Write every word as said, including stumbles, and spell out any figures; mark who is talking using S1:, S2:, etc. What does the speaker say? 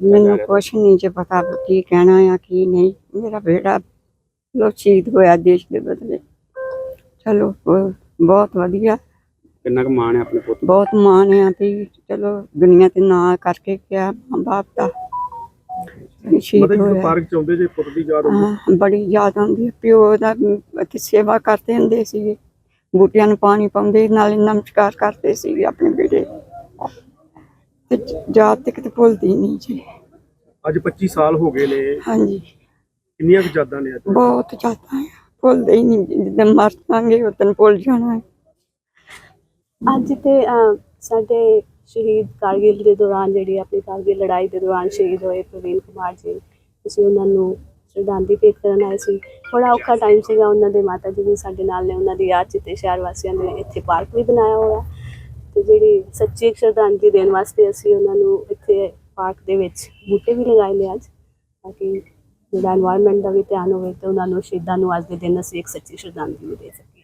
S1: ਮੈਨੂੰ ਕੁਛ ਨਹੀਂ ਜੇ ਪਤਾ ਕੀ ਕਹਿਣਾ ਆ ਕੀ ਨਹੀਂ। ਮੇਰਾ ਬੇਟਾ ਲੋ ਸ਼ਹੀਦ ਹੋਇਆ ਦੇਸ਼ ਦੇ ਬਦਲੇ। ਚਲੋ ਬ- ਬਹੁਤ ਵਧੀਆ,
S2: ਕਿੰਨਾ ਕੁ ਮਾਣ ਹੈ ਆਪਣੇ ਪੁੱਤ?
S1: ਬਹੁਤ ਮਾਣ ਆ ਵੀ ਚਲੋ ਦੁਨੀਆ ਤੇ ਨਾਂ ਕਰਕੇ ਗਿਆ ਮਾਂ ਬਾਪ ਦਾ। ਸ਼ਹੀਦ
S3: ਮਤਲਬ ਜਦੋਂ
S1: ਹੋਇਆ।
S3: ਪਾਰਕ ਚ ਆਉਂਦੇ ਜੇ ਪੁੱਤ ਦੀ ਯਾਦ ਆਉਂਦੀ?
S1: ਹਾਂ, ਬੜੀ ਯਾਦ ਆਉਂਦੀ ਹੈ। ਪਿਓ ਦਾ ਅਮ, ਸੇਵਾ ਕਰਦੇ ਹੁੰਦੇ ਸੀਗੇ, ਬੂਟਿਆਂ ਨੂੰ ਪਾਣੀ ਪਾਉਂਦੇ ਨਾਲੇ ਨਮਸਕਾਰ ਕਰਦੇ ਸੀਗੇ ਆਪਣੇ ਬੇਟੇ ਤੇ ਯਾਦ ਤੇ ਕਿਤੇ ਭੁੱਲਦੀ ਨਹੀਂ ਜੀ।
S3: ਅੱਜ ਪੱਚੀ ਸਾਲ ਹੋ ਗਏ ਨੇ,
S1: ਹਾਂਜੀ,
S3: ਕਿੰਨੀਆਂ ਕੁ ਯਾਦਾਂ ਨੇ ਅੱਜ?
S1: ਬਹੁਤ ਜ਼ਿਆਦਾ ਆ, ਭੁੱਲਦੇ ਹੀ ਨਹੀਂ। ਜਿੱਦਣ ਮਰ ਜਾਵਾਂਗੇ ਉਦੋਂ ਭੁੱਲ ਜਾਣਾ ਹੈ।
S4: ਅੱਜ ਤੇ ਅਹ, ਸਾਡੇ ਸ਼ਹੀਦ ਕਾਰਗਿਲ ਦੇ ਦੌਰਾਨ ਜਿਹੜੀ ਆਪਣੀ ਕਾਰਗਿਲ ਲੜਾਈ ਦੇ ਦੌਰਾਨ ਸ਼ਹੀਦ ਹੋਏ ਪ੍ਰਵੀਨ ਕੁਮਾਰ ਜੀ, ਅਸੀਂ ਉਹਨਾਂ ਨੂੰ ਸ਼ਰਧਾਂਜਲੀ ਭੇਟ ਕਰਨ ਆਏ ਸੀ। ਬੜਾ ਔਖਾ ਟਾਈਮ ਸੀਗਾ, ਉਹਨਾਂ ਦੇ ਮਾਤਾ ਜੀ ਵੀ ਸਾਡੇ ਨਾਲ ਨੇ। ਉਹਨਾਂ ਦੀ ਯਾਦ 'ਚ ਤੇ ਸ਼ਹਿਰ ਵਾਸੀਆਂ ਨੇ ਇੱਥੇ ਪਾਰਕ ਵੀ ਬਣਾਇਆ ਹੋਇਆ ਤੇ ਜਿਹੜੀ ਸੱਚੀ ਇੱਕ ਸ਼ਰਧਾਂਜਲੀ ਦੇਣ ਵਾਸਤੇ ਅਸੀਂ ਉਹਨਾਂ ਨੂੰ ਇੱਥੇ ਪਾਰਕ ਦੇ ਵਿੱਚ ਬੂਟੇ ਵੀ ਲਗਾਏ ਨੇ ਅੱਜ, ਤਾਂ ਕਿ ਜਿਹੜਾ ਇਨਵਾਇਰਨਮੈਂਟ ਦਾ ਵੀ ਧਿਆਨ ਹੋਵੇ ਤੇ ਉਹਨਾਂ ਨੂੰ ਸ਼ਹੀਦਾਂ ਨੂੰ ਅੱਜ ਦੇ ਦਿਨ ਅਸੀਂ ਇੱਕ ਸੱਚੀ ਸ਼ਰਧਾਂਜਲੀ ਦੇ ਸਕੀਏ।